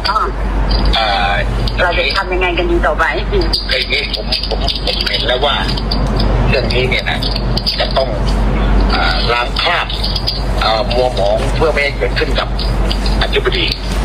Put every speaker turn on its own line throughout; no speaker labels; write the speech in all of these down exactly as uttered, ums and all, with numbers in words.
เราจะทำยังไงกันดีต่อไป
ไอ้นี้ผมผมผมเห็นแล้วว่าเรื่องนี้เนี่ยนะจะต้องล้างคราบมัวหมองเพื่อไม่ให้เกิดขึ้นกับอธิบดี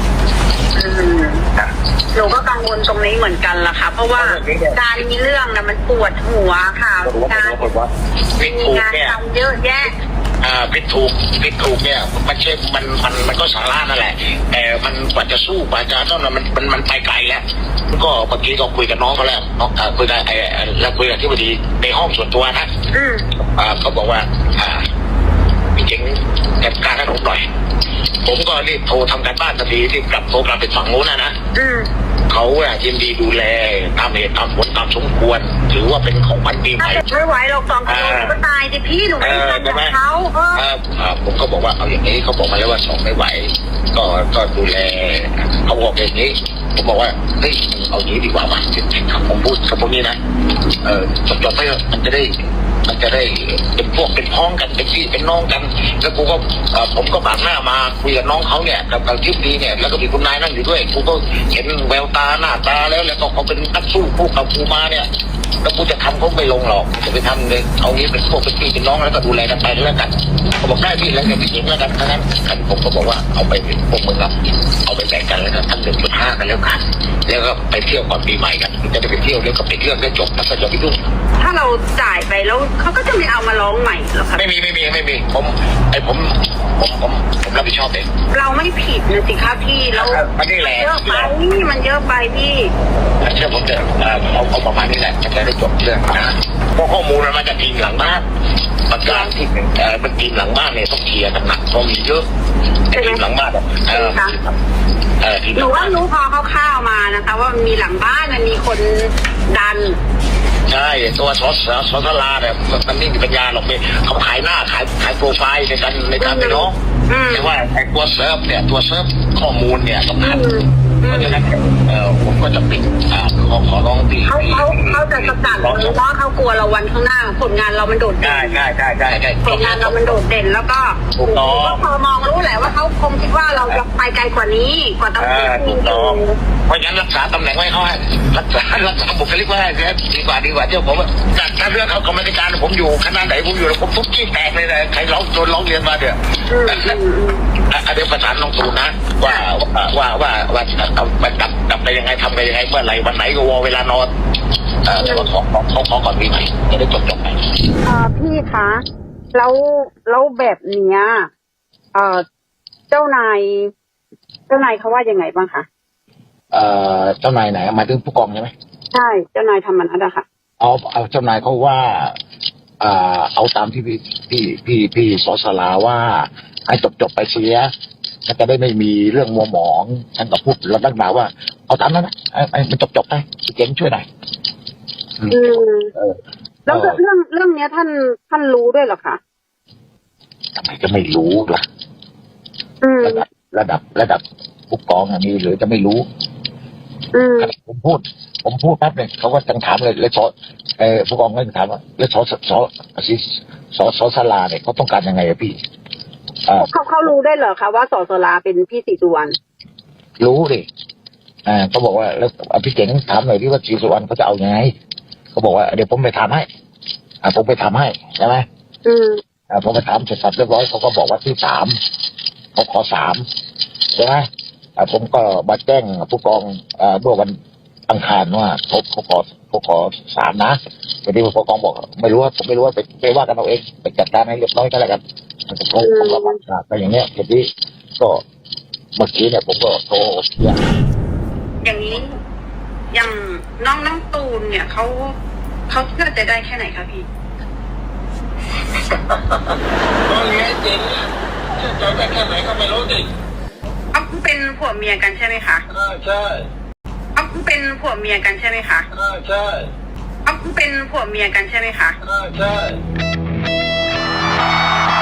หนูก็กังวลตรงนี้เหมือนกันล่ะค่ะเพราะว่าการมีเรื่องนะมันปวดหัวค่ะการมีงานทำเยอะแยะ
อ่าพิดถูกพิดถูกเนี่ยมันใช่มันมันมันก็สาระนั่นแหละแต่มันกว่าจะสู้กว่าจะต้องมันมันมันไปไกลแล้วก็เมื่อกี้ก็คุยกับน้องเขาแล้วน้องคุยกับไอ้แล้วคุยกับที่พอดีในห้องส่วนตัวนะอ่าเขาบอกว่าอ่าพี่เจ๋งจัดการให้ผมหน่อยผมก็รีบโทรทำการบ้านทันทีที่กลับโทรกลับไปฝั่งโน้นนะนะเขาอะยินดีดูแลตามเหตุตามผลตามสมควรถือว่าเป็นของขวัญปีใหม่
ไม่ไหวเราสองคนก็ตายดิพี่หนูไม่ทำแบบเขา
ผมก็บอกว่าเอาอย่างนี้เขาบอกมาแล้วว่าสองไม่ไหวก็ก็ดูแลเขาบอกอย่างนี้ผมบอกว่าเฮ้ยเอาอย่างนี้ดีกว่าว่ะผมพูดกับพวกนี้นะเออจบๆไปมันจะได้มันจะได้เป็นพวกเป็นพ้องกันเป็นพี่เป็นน้องกันแล้วกูก็ผมก็บากหน้ามาคุยกับน้องเขาเนี่ยกับกับทิพย์ดีเนี่ยแล้วก็มีคุณนายนั่งอยู่ด้วยกูก็เห็นแววตาหน้าตาแล้วแล้วก็เขาเป็นนักสู้คู่กับกูมาเนี่ยแล้วกูจะทำเขาไม่ลงหรอกจะไปทำเลยเอางี้เป็นพวกเป็นพี่เป็นน้องแล้วก็ดูแลกันไปแล้วกันเขาบอกได้พี่แล้วจะไปยิงแล้วกันทั้งนั้นกันผมก็บอกว่าเอาไปพวกมึงอะเอาไปแบ่งกันแล้วกันทั้งหนึ่งจุดห้ากันแล้วกันแล้วก็ไปเที่ยวก่อนปีใหม่กันจะได้ไปเที่ยวแล้วก็ไปเที่ยวได้จบแล้วก็จะไปยุ่ง
ถ้าเราจ่ายไปแล้วเขาก็จะไม่เอามาร้องใหม่หรอคะ
ไม่มีไม่มีไม่มีผมไอผมผมผมผมรับผิดชอบเอง
เราไม่ผิดนะสิคะพี่เรา
มันนี่แหละ
เยอะไปมันเยอะไปพี่
เชื่อผมเถอะเอาเอาประมาณนี้แหละจะได้จบเรื่องนะเพราะข้อมูลมันมาจากทีมหลังบ้านประการที่เออเป็นทีมหลังบ้านเนี่ยต้องเคลียร์กันหนักเพราะมีเยอะทีมหลังบ้านเออเออ
หนูว่ารู้พอคร่าวๆมานะคะว่ามีหลังบ้านมันมีคนดัน
ใช่ตัวซอสซอสลาเนี่ยมันไม่มีปัญญาหรอกเนี่ยเขาขายหน้าขายขายโปรไฟล์ในการในการไปน้องแต่ว่าไอ้ตัวเซิร์ฟเนี่ยตัวเซิร์ฟข้อมูลเนี่ยสำคัญเพราะฉะนั้นเออผมก็จะปิดอ่าขอขอร้องพี่
เขาเขาเขาจะสกัดเพราะเขากลัวเราวันข้างหน้าผลงานเรามันโดดเด่น
ใช่ใช่ใช่ใช่ใช่
ผลงานเรามันโดดเด่นแล้วก็ก็พอมองรู้แหละว่าเขาคงคิดว่าเราจะไปไกลกว่านี้กว่าตำแหน่ง
ถูกต้องเพราะฉะนั้นรักษาตำแหน่งไว้เขาให้รักษารักษาบุคลิกไว้ให้ดีกว่าดีกว่าเจ้าผมจากถ้าเรื่องเขากรรมการผมอยู่คณะไหนผมอยู่แล้วผมทุบขี้แตกเลยนะใครร้องโดนร้องเรียนมาเดี๋ยวเดี๋ยวประสานน้องตูนนะว่าว่าว่าว่าเอาไปดับดับไปยังไงทำไปยังไงเมื่อไหร่วันไหนก็วอเวลานอนเออแต่ว่าขอขอขอก่อนปีใหม่จะได้จบจบไป
อ่าพี่คะแล้วแล้วแบบเนี้ยเอ่อเจ้านายเจ้านายเขาว่ายังไงบ้างคะ
เอ่อเจ้านายไหนหมายถึงผู้กองใช่ไหม
ใช่เจ้านายทำมันอะไรค่ะ
เอาเอาเจ้านายเขาว่าอ่าเอาตามที่พี่พี่พี่พี่สอสลาว่าให้จบจบไปเสียฉันจะได้ไม่มีเรื่องมัวหมองฉันก็พูดแล้วนักหนาว่าเอาตามนั้นนะไอ้มันจบจบไปเจ๋งช่วยหน่อย
อืมแล้วเรื่องเรื่องเนี้ยท่านท่านรู้ด้วยเหรอคะ
ทำไมจะไม่รู้ล่ะระดับระดับระดับผู้กองมีหรือจะไม่รู้ผมพูดผมพูดแป๊บนึงเขาก็จังถามเลยเลยสอเออผู้กองก็ถามว่าเลยสอสอสอสอสอสลาเนี่ยเขาต้องการยังไงอะพี่
เขาเขารู้ได้เหรอคะว่าสอสลาเป็นพี่ศรีสุวรรณ
รู้ดิอ่าเขาบอกว่าแล้วพี่เจ๋งถามหน่อยที่ว่าศรีสุวรรณเขาจะเอายังไงเขาบอกว่าเดี๋ยวผมไปทำให้อ่าผมไปทำให้ใช่ไหม
อืม
อ่าผมไปถามเสร็จสับเรียบร้อยเขาก็บอกว่าที่สามเขาขอสามใช่ไหมอ่าผมก็มาแจ้งผู้กองอ่าเมื่อวันอังคารว่าเขาเขาขอเขาขอสามนะแต่ที่ผู้กองบอกไม่รู้ว่าผมไม่รู้ว่าไปไปว่ากันเอาเองไปจัดการให้เรียบร้อยก็แล้วกันผมผมรับปากไปอย่างเนี้ยทีนี้ก็เมื่อกี้เนี่ยผมก็โทรอย่าง
อย่างนี้อย่างน้องน้องตูนเนี่ยเขาเขาเชื่อใจได้แค่ไหนคะพี่
ก็เลี้ยงจริงเชื่อใจได้แค่ไหนก็ไม่รู้ดิ
เอาคุณเป็นผัวเมียกันใช่ไหมคะ
ใช่
เอาคุณเป็นผัวเมียกันใช่ไหมคะ
ใช่
เอาคุณเป็นผัวเมียกันใช่ไหมคะ
ใช่